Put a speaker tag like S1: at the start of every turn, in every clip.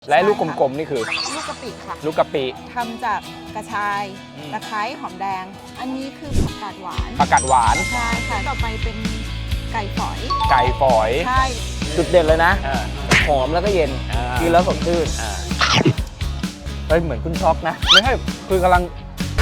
S1: และลูกกลมๆนี่คือ
S2: ลูกกะปิค่ะ
S1: ลูกกะปิ
S2: ทำจากกระชายตะไคร้หอมแดงอันนี้คือผักกาดหวาน
S1: ผักกาดหวาน
S2: ใช่ค่ะต่อไปเป็นไก่ฝอยใช่
S3: จุดเด่นเลยนะหอมแล้วก็เย็นกินแล้วสดชื่นเฮ้ยเหมือนคุณช็อกนะ
S1: ไม่ใช่คือกำลัง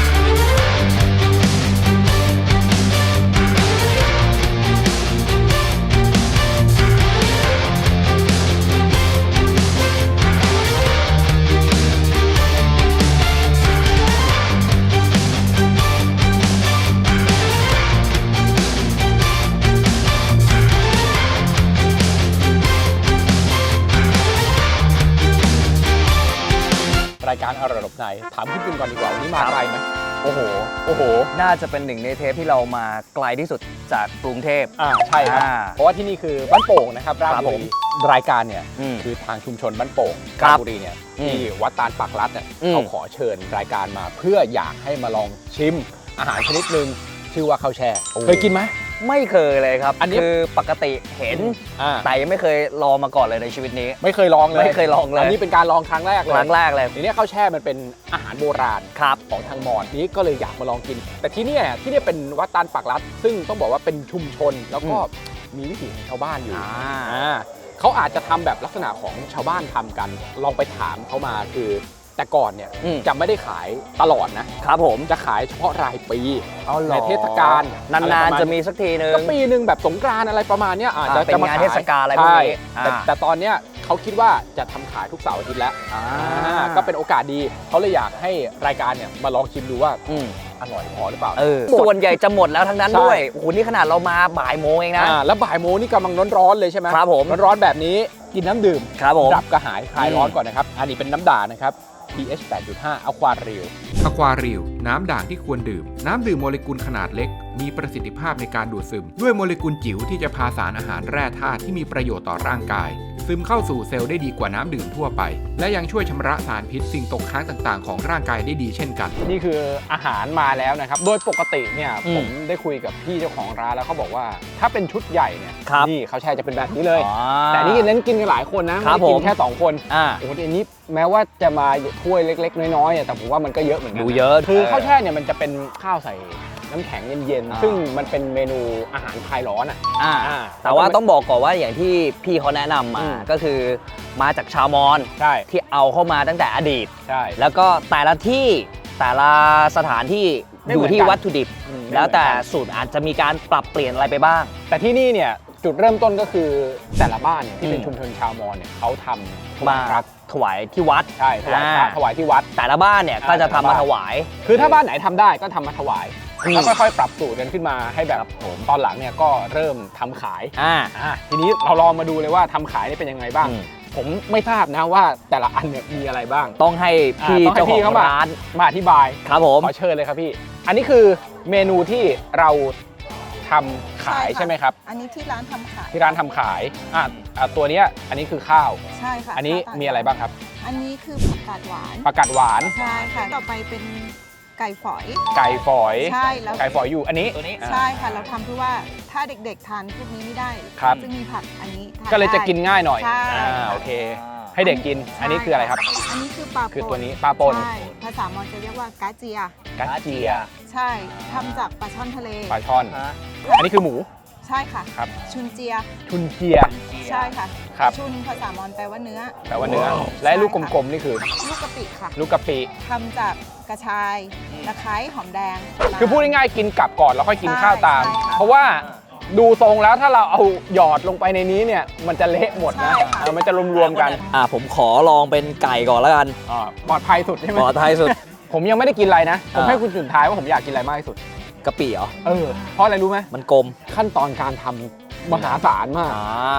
S1: รายการอร่อยหลบในถามพี่ปิ่นก่อนดีกว่าวันนี้มาไกลไหม
S3: โอ้โหน่าจะเป็นหนึ่งในเทปที่เรามาไกลที่สุดจากกรุงเทพ
S1: ใช่ครับเพราะว่าที่นี่คือบ้านโป่งนะครับราชบุรีรายการเนี่ยคือทางชุมชนบ้านโป่งราชบุรีเนี่ยที่วัดตาลปากรัดเนี่ยเขาขอเชิญรายการมาเพื่ออยากให้มาลองชิมอาหารชนิดหนึ่งชื่อว่าข้าวแช่เคยกินไหม
S3: ไม่เคยเลยครับอันนี้คือปกติเห็นแต่ยังไม่เคยลองมาก่อนเลยในชีวิตนี้
S1: ไม่เคยลองเลย
S3: อั
S1: นนี้เป็นการลองครั้งแรกเลยทีนี้ข้าวแช่มันเป็นอาหารโบราณของทางมอญนี้ก็เลยอยากมาลองกินแต่ที่นี่เป็นวัดตาลปากรัดซึ่งต้องบอกว่าเป็นชุมชนแล้วก็มีวิถีของชาวบ้านอยู่เขาอาจจะทำแบบลักษณะของชาวบ้านทำกันลองไปถามเขามาคือแต่ก่อนเนี่ยจะไม่ได้ขายตลอดนะครับผมจะขายเฉพาะรายปีในเทศกาล
S3: นานๆจะมีสักทีนึง
S1: ก็ปีนึงแบบสงกรานต์อะไรประมาณนี้อาจจะ
S3: เป็นงานเทศกาลอะไรพวกนี้
S1: แต่ตอนนี้เขาคิดว่าจะทำขายทุกเสาร์อาทิตย์แล้วก็เป็นโอกาสดีเขาเลยอยากให้รายการเนี่ยมาลองชิมดูว่าอร่อยพอหรือเปล่า
S3: ส่วนใหญ่จะหมดแล้วทั้งนั้นด้วยโอ้โหนี่ขนาดเรามาบ่ายโมงเองนะ
S1: แล้วบ่ายโมงนี่กำลังร้อนๆเลยใช่ไหม
S3: ครับผม
S1: ร้อนๆแบบนี้กินน้ำดื่ม
S3: ครับผม
S1: ดับกระหายคลายร้อนก่อนนะครับอันนี้เป็นน้ำด่างนะครับpH 8.5 Aquarial
S4: น้ำด่างที่ควรดื่มน้ำดื่มโมเลกุลขนาดเล็กมีประสิทธิภาพในการดูดซึมด้วยโมเลกุลจิ๋วที่จะพาสารอาหารแร่ธาตุที่มีประโยชน์ต่อร่างกายซึมเข้าสู่เซลล์ได้ดีกว่าน้ำดื่มทั่วไปและยังช่วยชำระสารพิษสิ่งตกค้างต่างๆของร่างกายได้ดีเช่นกัน
S1: นี่คืออาหารมาแล้วนะครับโดยปกติเนี่ยผมได้คุยกับพี่เจ้าของร้านแล้วเขาบอกว่าถ้าเป็นชุดใหญ่เนี่ยนี่เขาแช่จะเป็นแบบนี้เลยแต่นี่เน้นกินกันหลายคนนะไม่กินแค่2คนโอ้โหอันนี้แม้ว่าจะมาถ้วยเล็กๆน้อยๆแต่ผมว่ามันก็เยอะเหมือนกัน
S3: ดูเยอะ
S1: คือข้าวแช่เนี่ยมันจะเป็นข้าวใส่น้ำแข็งเย็นๆซึ่งมันเป็นเมนูอาหารคลายร้อน
S3: แต่ว่าต้องบอกก่อนว่าอย่างที่พี่เขาแนะนำมาก็คือมาจากชาวมอญที่เอาเข้ามาตั้งแต่อดีตแล้วก็แต่ละที่แต่ละสถานที่อยู่ที่วัตถุดิบแล้วแต่สูตรอาจจะมีการปรับเปลี่ยนอะไรไปบ้าง
S1: แต่ที่นี่เนี่ยจุดเริ่มต้นก็คือแต่ละบ้านเนี่ยที่เป็นชุมชนชาวมอญเนี่ยเขาทำ
S3: มาถวายที่วัด
S1: ใช่ถวายที่วัด
S3: แต่ละบ้านเนี่ยก็จะทำมาถวาย
S1: คือถ้าบ้านไหนทำได้ก็ทำมาถวายแล้วค่อยๆปรับสูตรกันขึ้นมาให้แบบผมตอนหลังเนี่ยก็เริ่มทำขายทีนี้เราลองมาดูเลยว่าทำขายนี่เป็นยังไงบ้างผมไม่ทราบนะว่าแต่ละอันเนี่ยมีอะไรบ้าง
S3: ต้องให้พี่เจ้าของร้าน
S1: มาอธิบาย
S3: ครับผม
S1: ขอเชิญเลยครับพี่อันนี้คือเมนูที่เราทำขายใช่ไหมครับ
S2: อันนี้ที่ร้านทำขาย
S1: ที่ร้านทำขายตัวนี้อันนี้คือข้าว
S2: ใช่ค่ะ
S1: อันนี้มีอะไรบ้างครับ
S2: อันนี้คือผักกาดหวานใช่ค่ะต่อไปเป็นไก่ฝอย
S1: ใช่แล้วไก่ฝอยอยู่อันนี้
S2: ใช่ค่ะเราทำเพื่อว่าถ้าเด็กๆทานพวกนี้ไม่ได้จะมีผักอันนี้
S1: ก็เลยจะกินง่ายหน่อยโอเคให้เด็กกินอันนี้คืออะไรครับ
S2: อันนี้คือปลา
S1: คือตัวนี้ปลาป่น
S2: ใช่ภาษามอญจะเรียกว่ากาเจียใช่ทำจากปลาช่อนทะเล
S1: ปลาช่อนอันนี้คือหมู
S2: ใช่ค่ะ
S1: ครับ
S2: ชุนเจียใช่ค่ะชุนภาษามอญแปลว่าเนื้อ
S1: และลูกกลมๆนี่คือ
S2: ลูกกะปิค่ะ
S1: ลูกกะปิ
S2: ทำจากกระชายตะไคร้หอมแดง
S1: คือพูดง่ายๆกินกลับก่อนแล้วค่อยกินข้าวตามเพราะว่าดูทรงแล้วถ้าเราเอาหยอดลงไปในนี้เนี่ยมันจะเละหมดนะมันจะรวมๆกัน
S3: ผมขอลองเป็นไก่ก่อนแล้วกัน
S1: ปลอดภัยสุดใช่ไหม
S3: ปลอดภัยสุด
S1: ผมยังไม่ได้กินอะไรนะผมให้คุณจุดท้ายว่าผมอยากกินอะไรมากที่สุด
S3: กะปิเหรอ
S1: เพราะอะไรรู้ไหม
S3: มันกลม
S1: ขั้นตอนการทำมหาศาลมาก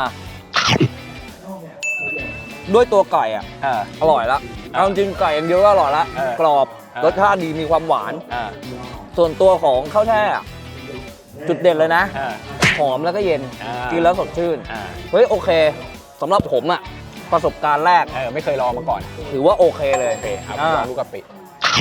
S3: ด้วยตัวไก่อร่อยแล้วเอาจริงไก่อย่างเดียวก็อร่อยแล้วกรอบรสชาติดีมีความหวานส่วนตัวของข้าวแช่จุดเด่นเลยนะหอมแล้วก็เย็นกินแล้วสดชื่นเฮ้ยโอเคสำหรับผมประสบการณ์แรก
S1: ไม่เคยลองมาก่อน
S3: ถือว่าโอเคเลย
S1: ลองลูกกะปิ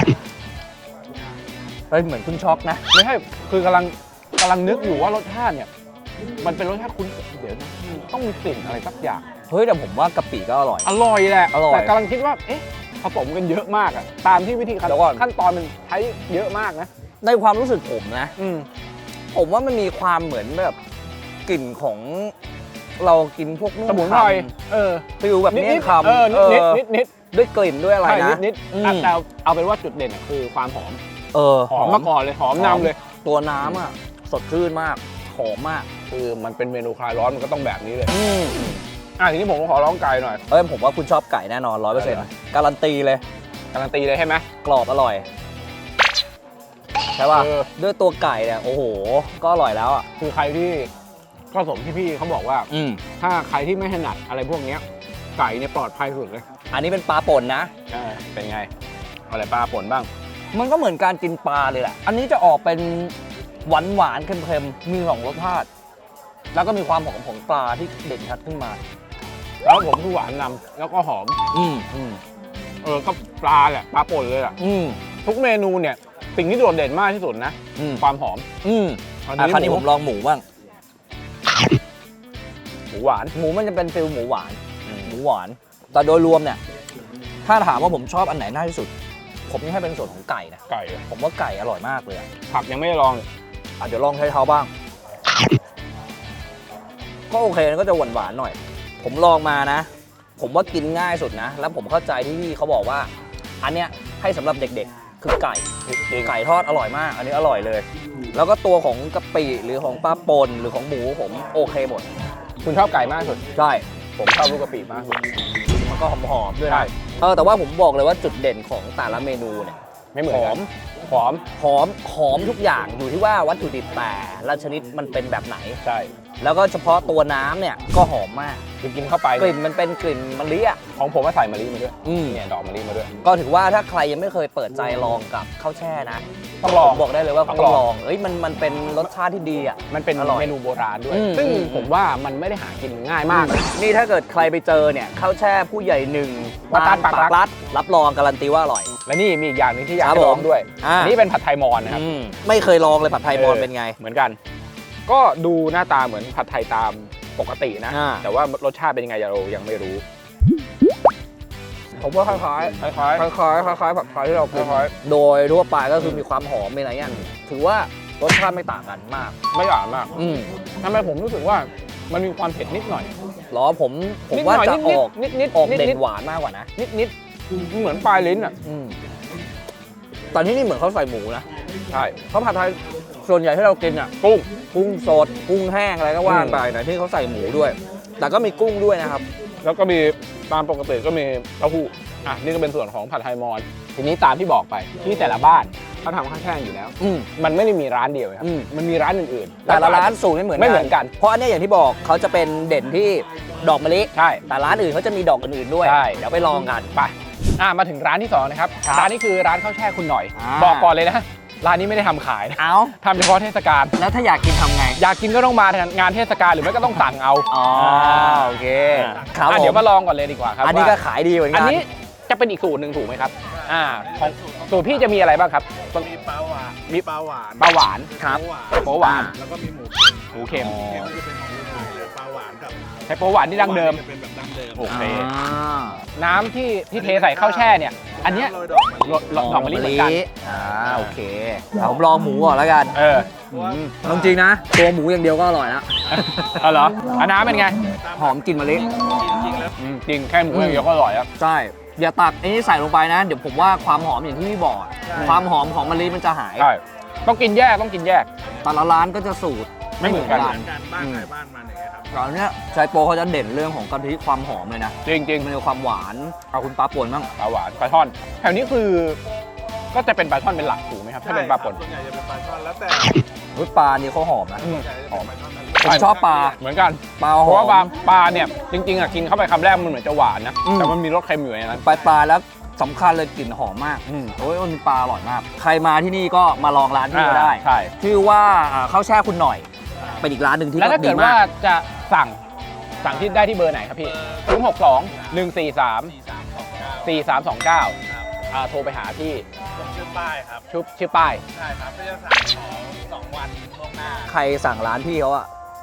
S3: เฮ้ยเหมือนคุณช็อกนะ
S1: ไม่ใช่คือกำลังนึกอยู่ว่ารสชาติเนี่ยมันเป็นรสชาติคุ้นเดี๋ยวต้องมีกลิ่นอะไรสักอย่าง
S3: เฮ้ยแต่ผมว่ากะปิก็อร่อย
S1: อร่อยแหละ
S3: อร่อย
S1: แต่กำลังคิดว่าเอ๊ะผสมกันเยอะมากอะตามที่วิธี
S3: เดี๋ยวก่อน
S1: ขั้นตอนมันใช้เยอะมากนะ
S3: ในความรู้สึกผมนะ
S1: อืม
S3: ผมว่ามันมีความเหมือนแบบกลิ่นของเรากินพวก
S1: สมุนไพร
S3: ฟิลแบบนี้คำ
S1: นิด
S3: ด้วยกลิ่นด้วยอะไร
S1: ใช่
S3: นะ
S1: นิด
S3: อืม
S1: แต่เอาเป็นว่าจุดเด่นอะคือความหอม
S3: ห
S1: หอมมาก่อนเลยหอมนำเลย
S3: ตัวน้ำอ่ะสดชื่นมากหอมมาก
S1: คือมันเป็นเมนูคลายร้อนมันก็ต้องแบบนี้เลย
S3: อืม
S1: ทีนี้ผมขอร้องไก่หน่อย
S3: ผมว่าคุณชอบไก่แน่นอน 100%การันตีเลย
S1: การันตีเลยใช่ไหม
S3: กรอบอร่อยใช่ป่ะ
S1: เออ
S3: ด้วยตัวไก่เนี่ยโอ้โหก็อร่อยแล้วอ่ะ
S1: คือใครที่ก็สมที่พี่เขาบอกว่า
S3: อืม
S1: ถ้าใครที่ไม่ถนัดอะไรพวกเนี้ยไก่เนี่ยปลอดภัยสุดเลย
S3: อันนี้เป็นปลาป่นนะ
S1: เป็นไงเอาอะไรปลาป่นบ้าง
S3: มันก็เหมือนการกินปลาเลยแหละอันนี้จะออกเป็นหวานหวานๆเค็มๆมี2รสชาติแล้วก็มีความหอมของปลาที่เด่นชัดขึ้นมา
S1: แล้วผมคือหวานนำแล้วก็หอม
S3: อืม
S1: ก็ปลาแหละปลาป่นเลยอ่ะ
S3: อืม
S1: ทุกเมนูเนี่ยสิ่งที่โดดเด่นมากที่สุดนะ
S3: อืม
S1: ความหอม
S3: อืมคราวนี้ผมลองหมูบ้าง
S1: หมูหวาน
S3: หมูมันจะเป็นฟิลหมูหวาน หมูหวาน แต่โดยรวมเนี่ย ถ้าถามว่าผมชอบอันไหนมากที่สุด ผมยังให้เป็นส่วนของไก่นะ
S1: ไก่
S3: ผมว่าไก่อร่อยมากเลยอะ
S1: ผักยังไม่ได้ลอง
S3: เดี๋ยวลองใช้เท้าบ้าง ก็โอเคก็จะหวานๆหน่อย ผมลองมานะ ผมว่ากินง่ายสุดนะ แล้วผมเข้าใจที่พี่เขาบอกว่า อันเนี้ยให้สำหรับเด็กๆ คือไก่ไก่ทอดอร่อยมาก อันนี้อร่อยเลย แล้วก็ตัวของกะปิหรือของปลาป่นหรือของหมูผมโอเคหมด
S1: คุณชอบไก่มากที่สุด
S3: ใช่
S1: ผมชอบลูกกะปิมากที่สุด
S3: มันก็หอมๆด้วย
S1: ใช่
S3: นะแต่ว่าผมบอกเลยว่าจุดเด่นของแต่ละเมนูเนี่ย
S1: ไม่เหมือน
S3: หอ
S1: กั
S3: ม
S1: นหอม
S3: หอมทุกอย่างอยู่ที่ว่าวัตถุดิบแต่ละชนิดมันเป็นแบบไหน
S1: ใช่
S3: แล้วก็เฉพาะตัวน้ำเนี่ยก็หอมมาก
S1: คือกินเข้าไป
S3: กลิ่นมันเป็นกลิ่นมะลิอ่ะ
S1: ของผมก็ใส่มะลิมาด้วย
S3: อืม
S1: เนี่ยดอกมะลิมาด้วย
S3: ก็ถือว่าถ้าใครยังไม่เคยเปิดใจลองกับข้าวแช่นะ
S1: ต้องลอง
S3: ผมบอกได้เลยว่า
S1: ต้
S3: ต้
S1: อ
S3: อง ง
S1: ล
S3: ล
S1: อ
S3: อง งมันเป็นรสชาติที่ดีอ่ะ
S1: มันเป็น
S3: อร่อย
S1: เมนูโบราณด้วย
S3: อืม
S1: ซึ่ง
S3: อืม
S1: ผมว่ามันไม่ได้หากินง่ายมากนะ
S3: นี่ถ้าเกิดใครไปเจอเนี่ยข้าวแช่ผู้ใหญ่หนึ่ง
S1: วัดตาลปากรัด
S3: รับรองการันตีว่าอร่อย
S1: และนี่มีอีกอย่างหนึงที่อยาก
S3: ครับ
S1: ให้ลอง
S3: ผม
S1: ด้วย
S3: อ่า
S1: อันนี้เป็นผัดไทยมอญนะครับ
S3: ไม่เคยลองเลยผัดไทยมอญเป็นไง
S1: เหมือนกัน ก็ดูหน้าตาเหมือนผัดไทยตามปกตินะ
S3: อ่า
S1: แต่ว่ารสชาติเป็นยังไงเรายังไม่รู้
S3: ผมว่าคล้ายๆ
S1: คล้าย
S3: คล้ายผัดไทยที่เรากินโดยทั่วไปก็คือมีความหอมมีอะไรเงี้ยถือว่ารสชาติไม่ต่างกันมาก
S1: ๆไม่หวานมาก
S3: อืม
S1: ทำไมผมรู้สึกว่ามันมีความเผ็ดนิดหน่อย
S3: หรอผม
S1: นิด
S3: ว่า
S1: หน่อย
S3: จะออก
S1: นิด
S3: ออก
S1: นิด
S3: เด่
S1: นิด
S3: นหวานมากกว่านะ
S1: นิดเหมือนปลายลิ้นอ่ะ
S3: อืมตอนนี้นี่เหมือนเขาใส่หมูนะ
S1: ใช่
S3: เขาผัดไทยส่วนใหญ่ที่เรากินอ่ะ กุ้งสดกุ้งแห้งอะไรก็ว่าไปนะที่เขาใส่หมูด้วย แต่ก็มีกุ้งด้วยนะครับ
S1: แล้วก็มีตามปกติก็มีเต้าหู้นี่ก็เป็นส่วนของผัดไทยมอญทีนี้ตามที่บอกไปที่แต่ละบ้านเขาทำข้าวแช่อยู่แล้ว
S3: อืม
S1: มันไม่ได้มีร้านเดียวครับ
S3: อืม
S1: มันมีร้านอื่นๆ
S3: แต่ละร้านสูตรไม่เหมือน
S1: ไม่เหมือนกัน
S3: เพราะอันเนี้ยอย่างที่บอกเขาจะเป็นเด่นที่ดอกมะลิ
S1: ใช่
S3: แต่ร้านอื่นเขาจะมีดอกอื่นๆด้วย
S1: ใช่
S3: เดี๋ยวไปลองกัน
S1: ไปมาถึงร้านที่สองนะครับ
S3: ครับ
S1: ร้านนี้คือร้านข้าวแช่คุณหน่อย
S3: อ่า
S1: บอกก่อนเลยนะร้านนี้ไม่ได้ทำขายนะ
S3: เอา
S1: ทำเฉพาะเทศกาล
S3: แล้วถ้าอยากกินทำไง
S1: อยากกินก็ต้องมางานเทศกาลหรือไม่ก็ต้องสั่งเอา
S3: อ๋อโอเคครับ
S1: เดี๋ยว
S3: ผม
S1: มาลองก่อนเลยดีกว่าครับ
S3: อันนี้ก็
S1: ว่า
S3: ขายดีเหมือน
S1: อั
S3: กัน น
S1: นี้จะเป็นอีกสูตรหนึ่งถูกไหมครับของสูตรพี่จะมีอะไรบ้างครับ
S5: มีปลาหวาน
S1: มี
S5: ปลาหวาน
S1: ปลาหวาน
S3: ครับ
S1: โป๊หวาน
S5: แล้วก็มีหมู
S1: หมูเค็ม
S5: เค็มจะเป็นของรุ่นใหม่เลยปลาหวานกับ
S1: ใช้โป๊หวานที่ดั้งเดิม
S5: จะเป็นแบบดั้งเดิม
S1: โอเค
S3: อ่า
S1: น้ำที่เทใส่ข้าวแช่เนี่ย อันเนี้ย
S5: โรยดอกมะลิ
S1: ดอกมะลิเหมือนกัน
S3: โอเคผมลองหมูก่อนแล้วกัน
S5: เพราะว่า
S3: จริงๆนะ ตัวหมูอย่างเดียวก็อร่อยแล้ว
S1: เอาเหรออันน้ำเป็นไง
S3: หอมกลิ่นมะลิ
S5: จริงๆแล้ว
S1: จริงแค่หมูอย่างเดียวก็อร่อยแล้ว
S3: ใช่ อย่าตักไอ้นี่ใส่ลงไปนะ เดี๋ยวผมว่าความหอมอย่างที่พี่บอก ความหอมของมะลิมันจะหาย
S1: ใช่ต้องกินแยกต้องกินแยก
S3: แต่ละร้านก็จะสูตร
S1: ไม่เหมือนกัน
S5: การบ้านใครบ้านมันอย่างเงี้ยครับ
S3: ตอนเนี้ยชายโปเขาจะเด่นเรื่องของกะทิความหอมเลยนะ
S1: จริง
S3: มันมีความหวานเอาคุณปลาป่นบ้าง
S1: ปลาหวานปลาช่อนแถวนี้คือ ก็จะเป็นปลาช่อนเป็นหลักถูกไหมครับถ้าเป็นปลาป่น
S5: ส่วนใหญ่จะเป็นปลาช่อนแล้วแต่
S3: อุ๊ยปลานี่เขาหอมนะ
S1: อืม
S5: หอมปลาช่อนทะเล
S3: ผมชอบปลา
S1: เหมือนกัน
S3: ปลา
S1: เพ
S3: หอ
S1: ราะ
S3: ม
S1: ว่าปลาเนี่ยจริงๆกินเข้าไปคำแรกมันเหมือนจะหวานนะ
S3: อืม
S1: แต่มันมีรสเค็มอยู่ในนั้น
S3: ปลาแล้วสำคัญเลยกลิ่นหอมมาก โอ้ยมันปลาอร่อยมาก ใครมาที่นี่ก็มาลองร้านที่นี่ก็ได้
S1: ใช่
S3: ชื่อว่าข้าวแช่คุณหน่อย เป็นอีกร้านหนึ่งที่
S1: แล้วถ้า
S3: ดี
S1: เกิด
S3: มา
S1: ว่าก จะสั่งที่ได้ที่เบอร์ไหนครับพี่062-143-4329โทรไปหาที่
S5: ผมชื่อป้ายครับ
S1: ชื่อป้าย
S5: ใช่ครับก็จะสั่งของ2 วันล่วงหน้า
S3: ใครสั่งร้านพี่เขาอะ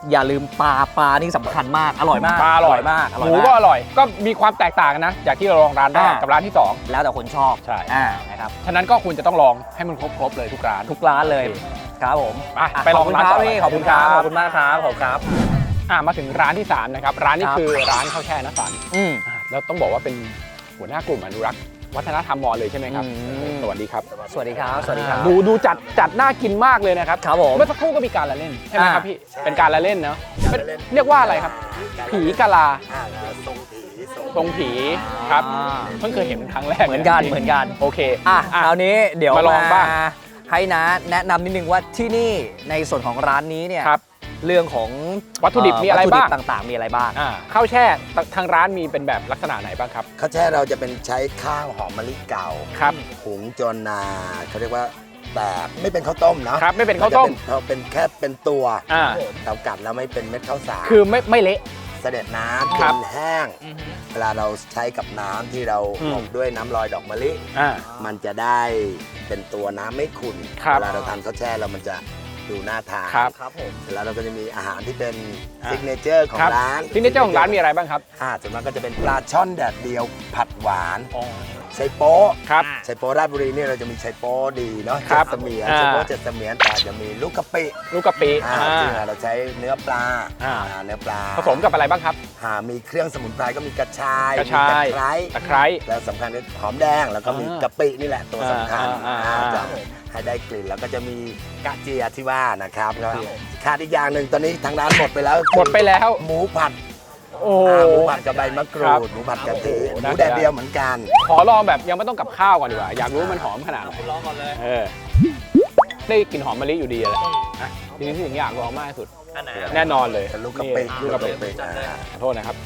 S3: อย่าลืมปลานี่สำคัญมากอร่อยมาก
S1: ปลาอร่อย
S3: มาก
S1: หมูก็อร่อย ก็มีความแตกต่างกันนะจากที่เราลองร้านแรกกับร้านที่
S3: แล้วแต่คนชอบ
S1: ใช่
S3: นะครับ
S1: 2ฉะนั้นก็คุณจะต้องลองให้มันครบเลยทุกร้าน
S3: ทุกร้านเลยครับผม
S1: ไปลองร้านต่อ
S3: ขอบคุณครับขอบคุณมากครับขอบคุณครับ
S1: มาถึงร้านที่ 3 นะครับ ร้านนี้คือร้านข้าวแช่นสัน แล้วต้องบอกว่าเป็นหัวหน้ากลุ่มอนุรักษ์วัฒนธรรมมอญเลยใช่ไหมครับ สวัสดีครับ
S3: สวัสดีครับสวัสดีครับ
S1: ดูจัดน่ากินมากเลยนะครับ
S3: ครับผม
S1: เมื่อสักครู่ก็มีการละเล่นใช่ไหมครับพี่เป็นการละเล่นเนาะเรียกว่าอะไรครับ ผีกะลาทรงผีครับเพิ่งเคยเห็นเป็นครั้งแรก
S3: เหมือนกัน
S1: โอเค
S3: คราวนี้เดี๋ยว
S1: มาลองบ้าง
S3: ให้นะแนะนำนิดนึงว่าที่นี่ในส่วนของร้านนี้เนี่ย
S1: ครับ
S3: เรื่องของ
S1: วัตถุดิบมีอะไรบ้าง
S3: วัตถุดิต่างๆ มีอะไรบ้าง
S1: ข้าวแช่ทางร้านมีเป็นแบบลักษณะไหนบ้างครับ
S6: ข้าวแช่เราจะเป็นใช้ข้าวหอมมะลิเก่า
S1: ครับ
S6: หุงจนเขาเรียกว่าแบบไม่เป็นข้าวต้มเนาะ
S1: ครับไม่เป็นข้าวต้ม
S6: เราเป็นแค่เป็นตัว
S1: อ่า
S6: เรากัดแล้วไม่เป็นเม็ดข้าวสาร
S1: คือไม่เละ
S6: เสด็จน้ำ
S1: ครั
S6: เป็
S1: บ
S6: นแห้ง เวลาเราใช้กับน้ำที่เรา
S1: อืม
S6: อบด้วยน้ำลอยดอกมะลิ
S1: อ่า
S6: มันจะได้เป็นตัวน้ำไม่ขุ่น
S1: ครับ
S6: เวลาเราทานข้าวแช่แล้วมันจะดูน่าทาน
S1: ครับ
S3: ครับผม
S6: แล้วเราก็จะมีอาหารที่เป็น
S1: อ่า
S6: ซิกเนเจอร์ของ
S1: ครับ
S6: ร้าน
S1: ที่นี่เจ้าของร้านมีอะไรบ้างครับ
S6: ส่วนมากก็จะเป็นปลาช่อนแดดเดียวผัดหวานไชโป๊ะ
S1: ครับ
S6: ไชโป๊ราชบุรีเนี่ยเราจะมีไชโป๊ดีเนาะ
S1: ครับ
S6: เจ็ดเสมียน
S1: อ่า
S6: ไชโป๊เจ็ดเสมียนแต่จะมีลูกกะปิ
S1: ลูกกะปิ
S6: ซึ่งเราใช้เนื้อปลา เนื้อปลา
S1: ผสมกับอะไรบ้างครับ
S6: มีเครื่องสมุนไพรก็มีกระชาย
S1: กระชาย
S6: มีตะไคร้
S1: ตะไคร้
S6: แล้วสำคัญคือหอมแดงแล้วก็มีกะปินี่แหละตัวสำคัญ จะให้ได้กลิ่นแล้วก็จะมีกระเจียที่ว่านะครับแล้วขาดอีกอย่างหนึ่งตอนนี้ทางร้านหมดไปแล้ว
S1: หมดไปแล้ว
S6: หมูผัด
S1: โอ้
S6: หมูผัดกับใบมะกรู
S1: ครับ
S6: ดหมูผัดกะทิ
S1: โอ้โห
S6: หมูแดดเดียวเหมือนกัน
S1: ขอลองแบบยังไม่ต้องกับข้าวก่อนดีกว่า อยากรู้มันหอมขนาดไหน
S3: ลองก่อนเลย
S1: ได้กลิ่นหอมมะลิอยู่ดีเลยทีนี้ที่ถึงอยากลองมากที่สุด
S3: อันไหน
S1: แน่นอนเลย
S6: เป็นลูกกะปิ
S1: นี่ลูกกะปิ
S3: จัดเลย
S1: ขอโทษนะครับ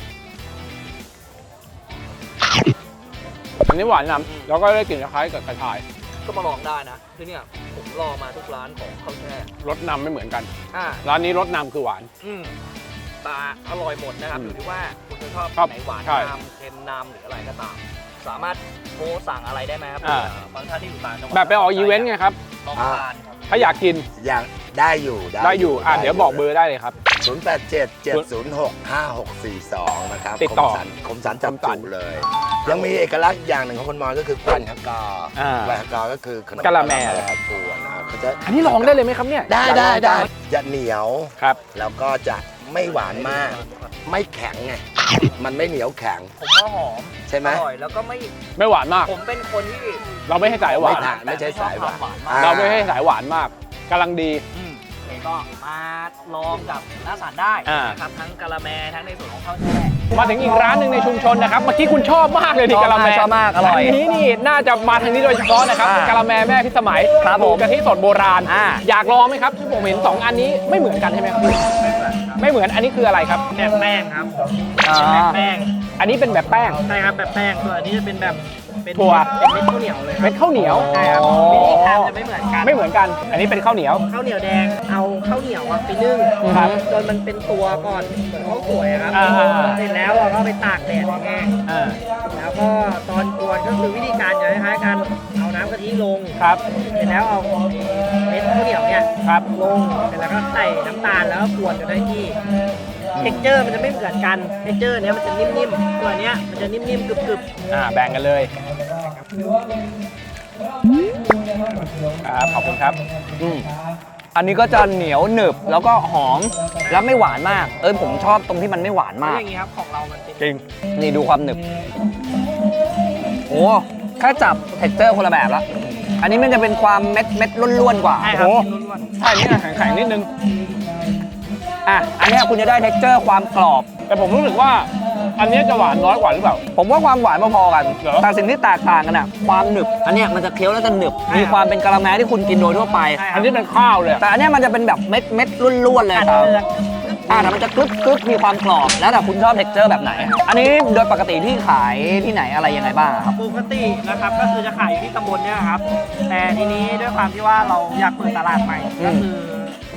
S1: อันนี้หวานนำแล้วก็ได้กลิ่นคล้ายกับกระชาย
S3: ก็มาลองได้นะคือเนี่ยผมรอมาทุกร้านของข้าวแช่
S1: รสนำไม่เหมือนกัน
S3: อ่า
S1: ร้านนี้รสนำคือหวาน
S3: ปลาอร่อยหมดนะครับ
S1: อืม
S3: อยู่ที่ว่าคุณจะชอบ
S1: ครับ
S3: ไหนหวาน
S1: ใช่
S3: นำเค็มนำหรืออะไรก็ตาม สามารถโทรสั่งอะไรได้ไหมครับ
S1: อ่า
S3: บางท่านที่อยู่ต่างจังหวัด
S1: แบบไปออกอีเวนต์ไงครับ
S3: ลองทานครับ
S1: ถ้าอยากกิน
S6: อย่างได้อยู่
S1: ได้อยู่เดี๋ยวบอกเบอร์ได้เลยครับ
S6: 0877065642 นะครับ
S1: ติดต่อ
S6: คมสันจับจุเลย ยังมีเอกลักษณ์อย่างหนึ่งของคนมอญก็คือกวนฮักกอ
S1: อ่า
S6: กวนฮักกอก็คือขนม
S1: กะละแม
S6: กวนนะครับเขาจะ
S1: อันนี้ลองได้เลยไหมครับเนี่ย
S6: ได้จะเหนียว
S1: ครับ
S6: แล้วก็จะไม่หวานมาก ไม่แข็งไงมันไม่เหนียวแข็ง
S3: ผมว่าหอม
S6: ใช่ไหม
S3: อร่อยแล้วก็ไม่
S1: ไม่หวานมาก
S3: ผมเป็นคนที่
S1: เราไม่ให้สายหวาน
S6: ไม่ใช่สายหวาน
S3: ชอบท
S6: อ่า
S1: เราไม่ให้สายหวานมากกำลังดี
S3: ก็มาลองกับน้าสารได้
S1: อ่า
S3: นะครับทั้งกะละแมทั้งในส่วนของข้าวแช่
S1: มาถึงอีกร้านหนึ่งในชุมชนนะครับ เมื่อกี้คุณชอบมากเลยดิ
S3: ชอบ
S1: กะละแม
S3: ชอบมากอร่อย
S1: นนี้นี่น่าจะมาทางนี้โดยเฉพาะนะครับ
S3: อ่าก
S1: ะละแมแม่พิสมัย
S3: ครับผม
S1: กะทิสดโบราณ อยากลองไหมครับที่ผมเห็นสองอันนี้ไม่เหมือนกันใช่ไหมครับไม่เหมือนอันนี้คืออะไรครับ
S7: แบบแป้งครับ
S3: อ่า
S7: แบบแป้ง
S1: อันนี้เป็นแบบแป้ง
S7: ใช่ครับแบบแป้งส่วนอันนี้จะเป็นแบบเป็น
S1: ถั่ว
S7: เป็นเม็ดข้าวเหนียวเลยค
S1: เป็
S7: รับ
S1: นข้าวเหนียว
S7: ใช่ครับวิธีทำจะไม่เหมือนกัน
S1: ไม่เหมือนกัน อันนี้เป็นข้าวเหนียว
S7: ข้าวเหนียวแดงเอาข้าวเหนียวอะไปนึ่ง
S1: ครับ
S7: จนมันเป็นตัวก่อนเหมือนข้าวสวยอะครับ
S1: อ่า
S7: เสร็จแล้วเราก็ไปตากแดดให้แห้ง
S1: อ่า
S7: แล้วก็ตอนกวนก็คือวิธีการจะคล้ายๆกันเอาน้ำกะทิลง
S1: ครับ
S7: เสร็จแล้วเอาเม็ดข้าวเหนียวเนี่ย
S1: ครับ
S7: ลงเสร็จแล้วก็ใส่น้ำตาลแล้วก็กวนจนได้ที่เท็กเจอร์มันจะไม่เหมือนกันเท็กเจอร์เนี้ยมันจะนิ่มๆตัวเนี้ยมันจะนิ่มๆกรึบๆ
S1: แบ่งกันเลยครับขอบคุณครับ
S3: อันนี้ก็จะเหนียวหนึบแล้วก็หอมแล้วไม่หวานมาก ผมชอบตรงที่มันไม่หวานมาก
S7: อย่างนี้ครับของเรามันเป็น
S1: จริง
S3: นี่ดูความหนึบ โอ้แค่จับเท็กเจอร์คนละแบบละอันนี้มันจะเป็นความเม็ดล้วนๆกว่า
S7: ใช่ครับ
S1: โอ้
S7: ล้วน
S1: ใช่นี่นะแข็งๆนิดนึง
S3: อันเนี้ยคุณจะได้เท็กเจอร์ความกรอบ
S1: แต่ผมรู้สึกว่า อันนี้จะหวานน้อยกว่าหรือเปล่า
S3: ผมว่าความหวานพอๆกัน
S1: เหรอ
S3: แต่สิ่งที่แตกต่างกันอะความหนึบ อันเนี้ยมันจะเคี้ยวแล้วจะหนึบ มีความเป็นกะละแมที่คุณกินโดยทั่วไป
S1: อันนี้เป็นข้าวเลย
S3: แต่อันเนี้ยมันจะเป็นแบบเม็ดล้วนๆเลย
S7: อัด
S3: ครับ
S7: เลือก
S3: แต่มันจะกรึบมีความกรอบ แล้วแต่คุณชอบเท็กเจอร์แบบไหน อันนี้โดยปกติที่ขายที่ไหนอะไรยังไงบ้างอะครับ
S7: ปกตินะครับก็คือจะขายอยู่ที่ตำบลเนี่ยครับ แต่ทีนี้ด้วยความที่ว่าเราอยากเปิดตลาดใหม่ ก็คือ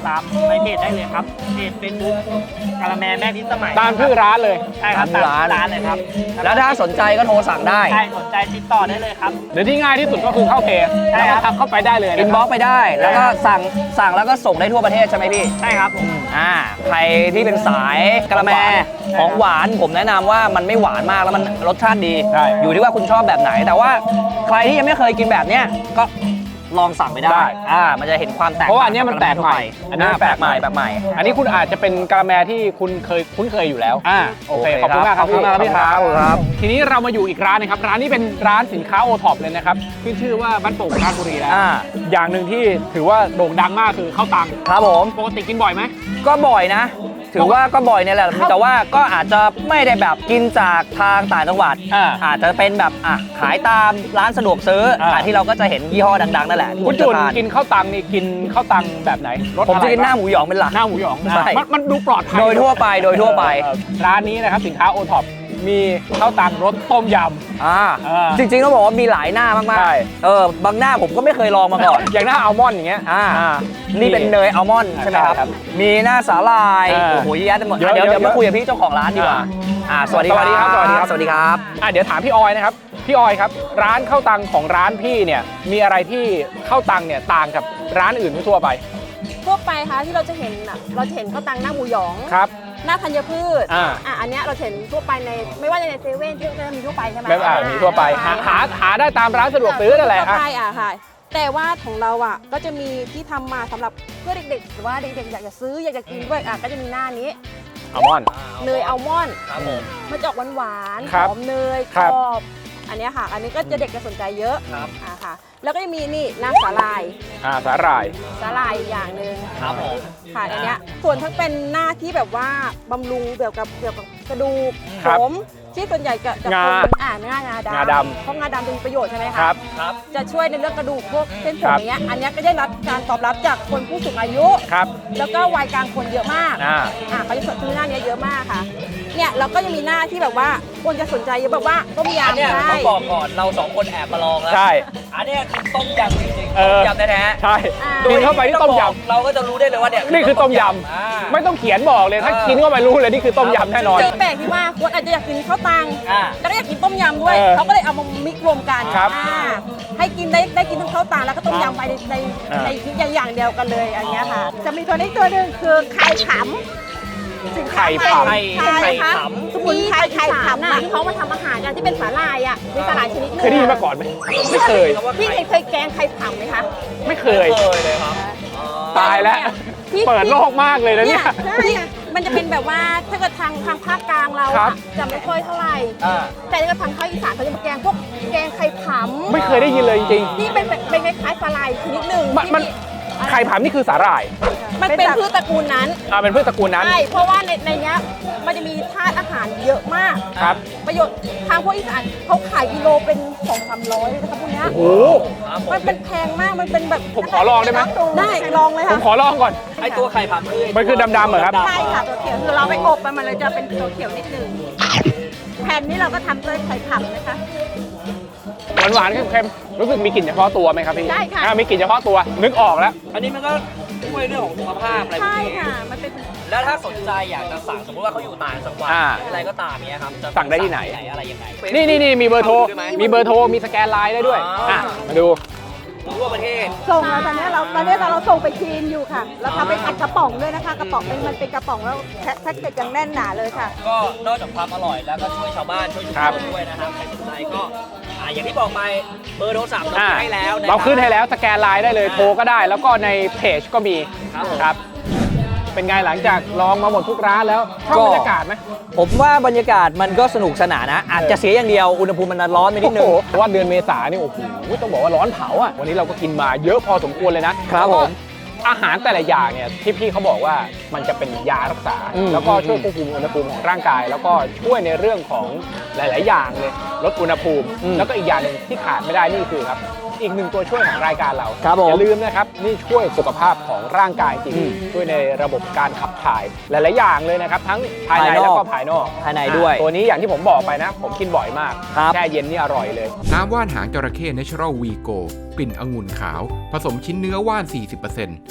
S7: ตามในเพจได้เลยครับเพจ Facebook กะละแมแม่พิสมัย
S1: ตามชื่อร้านเลย
S7: ใช่ครับ
S3: ตาม
S7: ตาม
S3: ร้าน
S7: ร้านเลยครับ
S3: แล้วถ้าสนใจก็โทรสั่งได้
S7: ใช่สนใจติดต่อได้เลยครับ
S1: หรือที่ง่ายที่สุดก็คือเข้าเพจ
S7: ใช่
S1: แล้ว
S7: ครั
S1: ก็
S7: บ
S1: ทักเข้าไปได้เลย
S3: อิ
S1: นะ
S3: น
S1: ค
S3: บ็
S1: รั
S3: อบ กไปได้ แล้วก็สั่งแล้วก็ส่งได้ทั่วประเทศใช่ไหมพี่
S7: ใช่ครับผม
S3: ใครที่เป็นสายกะละแมของหวานผมแนะนำว่ามันไม่หวานมากแล้วมันรสชาติดี
S1: ใช่
S3: อยู่ที่ว่าคุณชอบแบบไหน แต่ว่าใครที่ยังไม่เคยกินแบบเนี้ยก็ลองสั่งไปได้ มันจะเห็นความแตก
S1: เพราะว่าอันเนี้ยมันแปลกใหม่
S3: อันนี้แปลกใหม่แบบใหม่
S1: อันนี้คุณอาจจะเป็นกะละแมที่คุณคุ้นเคยอยู่แล้วโอเค
S3: โอเค
S1: ขอบคุณมากครับ
S3: ขอบคุณมากครับพี่
S1: ขอบคุณ
S3: ครับ
S1: ทีนี้เรามาอยู่อีกร้านนะครับร้านนี้เป็นร้านสินค้าโอท็อปเลยนะครับขึ้นชื่อว่าบ้านโป่งราชบุรีแล้วอย่างหนึ่งที่ถือว่าโด่งดังมากคือข้าวตัง
S3: ครับผม
S1: ปกติกินบ่อยไหม
S3: ก็บ่อยนะ ถือว่าก็บ่อยเนี่ยแหละแต่ว่าก็อาจจะไม่ได้แบบกินจากทางต่างจังหวัด อาจจะเป็นแบบขายตามร้านสะดวกซื้อที่เราก็จะเห็นยี่ห้อดังๆนั่นแหละที่
S1: คุณจุน
S3: จะทาน
S1: กินข้าวตังนี่กินข้าวตังแบบไหนรส
S3: ผม
S1: อะไร
S3: จะกินหน้าหมูหยองเป็นหลัก
S1: หน้าหมูหยอง
S3: ใช่
S1: มันดูปลอดภัย
S3: โดยทั่วไปโดยทั่วไป
S1: ร้านนี้นะครับสินค้าโอท็อปมีข้าวตังรสต้มย
S3: จริงๆต้องบอกว่ามีหลายหน้ามาก
S1: ใช่
S3: ๆบางหน้าผมก็ไม่เคยลองมาก่อน
S1: ำอย่างหน้าอัลมอนด์อย่างเงี้ย
S3: นี่เป็นเนยอัลมอนด์ใช่ไหมครับ
S1: ใช่ครับ
S3: มีหน้าสาลาย
S1: เออ
S3: โอ้โหเยอะแยะไปหมด
S1: เยอะ
S3: เดี๋ยว
S1: เยอะ
S3: มาคุยกับพี่เจ้าของร้านดีกว่าสวัสดีครับ
S1: สวัสดีครับ
S3: สวัสดีครับ
S1: เดี๋ยวถามพี่ออยนะครับพี่ออยครับร้านข้าวตังของร้านพี่เนี่ยมีอะไรที่ข้าวตังเนี่ยต่างกับร้านอื่นทั่วไป
S2: ทั่วไปค่ะที่เราจะเห็นเราจะเห็นข้าวตังหน้าหมูหยอง
S1: ครับ
S2: หน้าธัญพืช
S1: อัน
S2: เนี้ยเราเห็นทั่วไปในไม่ว่าในเซเว่นที่ก็จะมีทั่วไปใช่ไหม
S1: แบบมีทั่วไปหาได้ตามร้านสะดวกซื้อนั่นแหละ
S2: ทั่วไปค่ะแต่ว่าของเราก็จะมีที่ทำมาสำหรับเพื่อเด็กๆหรือว่าเด็กๆอยากจะซื้ออยากจะกินด้วยก็จะมีหน้านี้
S1: อัลมอนด์
S2: เนยอัลมอนด์
S3: ครับผม
S2: มันจะออกหวานๆ
S1: ครั
S2: ห
S1: บ
S2: อมเนย
S1: ค
S2: ก
S1: รั
S2: ร
S1: บ
S2: อบอันเนี้ยค่ะ อันนี้ก็จะเด็กจะสนใจเยอะ
S3: ครับ
S2: ค่ะ แล้วก็จะมีนี่น้ำสาลาย
S1: สาหร่าย
S2: สาลายอีกอย่างหนึ่ง
S3: ครับผม
S2: ค่ะอันเนี้ยส่วนทั้งเป็นหน้าที่แบบว่าบำรุงเกี่ยวกับกระดูก
S1: ครั
S2: ผ
S1: บ
S2: มที่ส่วนใหญ่จะ
S1: งา
S2: งา
S1: งา
S2: ดำ
S1: ดำ
S2: เพราะงาดำจะมีประโยชน์ใช่ไหมคะ
S1: ครับ
S3: ครับ
S2: จะช่วยในเรื่องกระดูกพวกเส้นผม
S1: ครับ
S2: อย่างเงี้ยอันเนี้ยก็ได้รับการตอบรับจากคนผู้สูงอายุ
S1: ครับ
S2: แล้วก็วัยกลางคนเยอะมาก เขาจะซื้อหน้านี้เยอะมากค่ะ เนี่ยเราก็จะมีหน้าที่แบบว่าคนจะสนใจเยอะแบบว่าต้ม
S3: อันเนี้ย
S2: ยำ
S3: ต้องบอกก่อนเราสองคนแอบมาลองแล้ว
S1: ใช่
S3: อันเนี้ยคือต้มยำจริงๆ
S1: เอ
S3: ต้
S1: อ
S3: มยำแท้ๆ
S1: ใช่
S3: โด
S1: กิ
S3: ย
S1: นเข้าไปที่ต้มยำ
S3: เราก็จะรู้ได้เลยว่าเนี่ย
S1: นี่คือต้มย
S3: อ่า
S1: ำไม่ต้องเขียนบอกเลยถ้ากินเข้าไปรู้เลยนี่คือต้มยำแน่นอน
S2: คือแปลกที่ว่าคนอาจจะอยากกินข้าวตัง แล้วก็อยากกินต้มยำด้วย เขาก็เลยเอามามิกรวมกัน
S1: ครับ
S2: ให้กินได้กินทั้งข้าวตังแล้วก็ต้มยำไปในอย่างเดียวกันเลยอย่างเงี้ยค่ะ จะมีตัวนี้ตัวหนึ่งคือไข่ขำสินค้า
S1: ไข่
S2: ใหม่
S1: ขำ
S2: ใช่ค่ะ
S3: ไข่ขำ
S2: สมุนไพรไข่ขำที่เขามาทำอาหารกันที่เป็นสาหร่ายมีสาหร่ายชนิดหนึง
S1: เคยได้ยินมาก่อนไหมไม่เคย
S2: พี่เคยแกงไข่ขำไหมคะ
S1: ไม่เคย
S3: เคยเลยครับ
S1: ตายแล้ว
S2: ที่
S1: เปิดโลกมากเลยนะเนี่ย
S2: ใช่มันจะเป็นแบบว่าถ้าเกิดทางภาคกลางเรา
S1: ครับ
S2: จะไม่ค่อยเท่าไหร่ แต่ถ้าเกิดทางภาคอีสานเขาจะมาแกงพวกแกงไข่ผำ
S1: ไม่เคยได้ยินเลยจริง
S2: ที่เป็นคล้ายๆปลาไหลชนิดหนึ่ง
S1: มัน ๆไข่ผำนี่คือสาหร่าย
S2: มันเป็นพืชตระกูลนั้น
S1: เป็นพืชตระกูลนั้น
S2: ใช่เพราะว่าในเนี้ยมันจะมีธาตุอาหารเยอะมาก
S1: ครับ
S2: ประโยชน์ทางพวกอีสานเขาขายกิโลเป็น 200-300เลยนะคะพวกเนี้ย
S1: โอ้โห
S2: มันเป็นแพงมากมันเป็นแบบ
S1: ผมขอลองได้ไหม
S2: ได้ลองเลย
S1: ผม
S2: ค่ะ
S1: ขอลองก่อน
S3: ไอตัวไข่ผำคือ
S1: มันคือดำๆเหรอครับ
S2: ใช่ค่ะตัวเขียวคือเราไปอบมันเลยจะเป็นตัวเขียวนิดนึงแผ่นนี้เราก็ทำด้วยไข่ผำนะคะ
S1: หวานๆเค็มๆรู้สึกมีกลิ่นเฉพาะตัวไหมครับพี่
S2: ใช่ค่ะ
S1: มีกลิ่นเฉพาะตัวนึกออกแล้ว
S3: อันนี้มันก็ช่วยเรื่องของสุขภาพอะไรพว
S2: ใช่
S3: กนี้
S2: ค่ะ มันเป็น
S3: แล้วถ้าสนใจอยากจะสั่งสมมติว่าเขาอยู่ต่างจังหวัดหรืออะไรก็ตามเนี้ยครับจะ
S1: สั่งได้ที่ไหน
S3: อะไรยังไง
S1: นี่มีเบอร์โทร
S3: ได้ไหม
S1: มีเบอร์โทรมีสแกนไลน์ได้ด้วยมาดู
S3: ทั่วประเทศ
S2: ส่งแล้วตอนนี้เราส่งไปจีนอยู่ค่ะ เราทำเป็นอัดกระป๋องด้วยนะคะ กระป๋องมันเป็นกระป๋องแล้วแพ็คเกจยังแน่นหนาเลยค่ะ
S3: ก็นอกจากความอร่อยแล้วก็ช่วยชาวบ้านช่วยชุมชนด้วยนะครับใครสนใจก็อย่างที่บอกไปเบอร์โทรศัพท์เราขึ้นให้แล้วนะครับ
S1: เราขึ้นให้แล้วสแกนไลน์ได้เลยโทรก็ได้ แล้วก็ในเพจก็มี
S3: ครับผม
S1: ครับ เป็นไงหลังจากลองมาหมดทุกร้านแล้วชอบบรรยากาศไหม
S3: ผมว่าบรรยากาศมันก็สนุกสนานนะ อาจจะเสียอย่างเดียวอุณหภูมิมันร้อนไปนิดนึง
S1: เพราะว่าเดือนเมษานี่โอ้โหต้องบอกว่าร้อนเผาอ่ะวันนี้เราก็กินมาเยอะพอสมควรเลยนะครับ
S3: ผม
S1: อาหารแต่ละอย่างเนี่ยที่พี่เขาบอกว่ามันจะเป็นยารักษา แล้วก็ช่วยควบคุมอุณหภูมิของร่างกาย แล้วก็ช่วยในเรื่องของหลาย ๆ อย่างเลยลดอุณหภูมิ แล้วก็อีกอย่างหนึ่งที่ขาดไม่ได้นี่คือครับอีกหนึ่งตัวช่วยของรายการเรา
S3: ครับผม
S1: อย่าลืมนะครับนี่ช่วยสุขภาพของร่างกายจริงช่วยในระบบการขับถ่ายหลาย ๆ อย่างเลยนะครับทั้งภายในแล้วก็ภายนอก
S3: ภายในด้วย
S1: ตัวนี้อย่างที่ผมบอกไปนะ ผมกินบ่อยมาก
S3: ครับ
S1: แช่เย็นนี่อร่อยเลย
S4: น้ำว่านหางจระเข้ Natural V Go กลิ่นองุ่นขาว ผสมชิ้นเนื้อว่าน 40%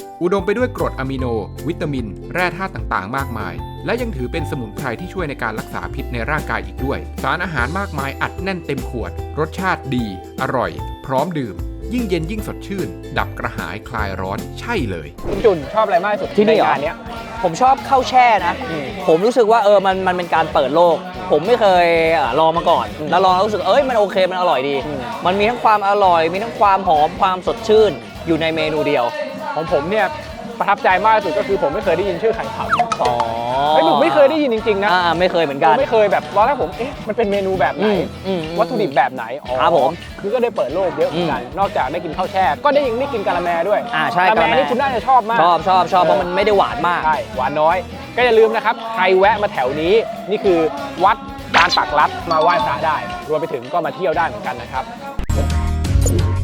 S4: อุดมไปด้วยกรดอะมิโน วิตามิน แร่ธาตุต่างๆ มากมาย และยังถือเป็นสมุนไพรที่ช่วยในการรักษาพิษในร่างกายอีกด้วย สารอาหารมากมายอัดแน่นเต็มขวด รสชาติดี อร่อย พร้อมดื่ม ยิ่งเย็นยิ่งสดชื่น ดับกระหายคลายร้อนใช่เลย
S1: คุณจุนชอบอะไรมากที่สุด
S3: ที่นี่เหรอ
S1: ใงานเนี้ย
S3: ผมชอบข้าวแช่นะ ผมรู้สึกว่ามันเป็นการเปิดโลก ผมไม่เคยลองมาก่อน แล้วลองแล้วรู้สึกมันโอเคมันอร่อยดี มันมีทั้งความอร่อย มีทั้งความหอมความสดชื่นอยู่ในเมนูเดียว
S1: ของผมเนี่ยประทับใจมากที่สุดก็คือผมไม่เคยได้ยินชื่อไข่ผำ
S3: อ๋อ
S1: ผมไม่เคยได้ยินจริงๆนะ
S3: ไม่เคยเหมือนกัน
S1: ไม่เคยแบบตอนแรกผมมันเป็นเมนูแบบไหน วัตถุดิบแบบไหนอ๋อ
S3: ครับผม
S1: คือก็ได้เปิดโลกเยอะเหมือนกันนอกจากได้กินข้าวแช่ ก็ได้ยังได้กินกะละแมด้วย
S3: ใช่
S1: กะละแมนี่คุณน่าจะชอบมาก
S3: ชอบเพราะมันไม่ได้หวานมาก
S1: ใช่หวานน้อย ก็อย่าลืมนะครับใครแวะมาแถวนี้นี่คือวัดลานปากลัดมาไหว้พระได้ รวมไปถึงก็มาเที่ยวได้เหมือนกันนะครับ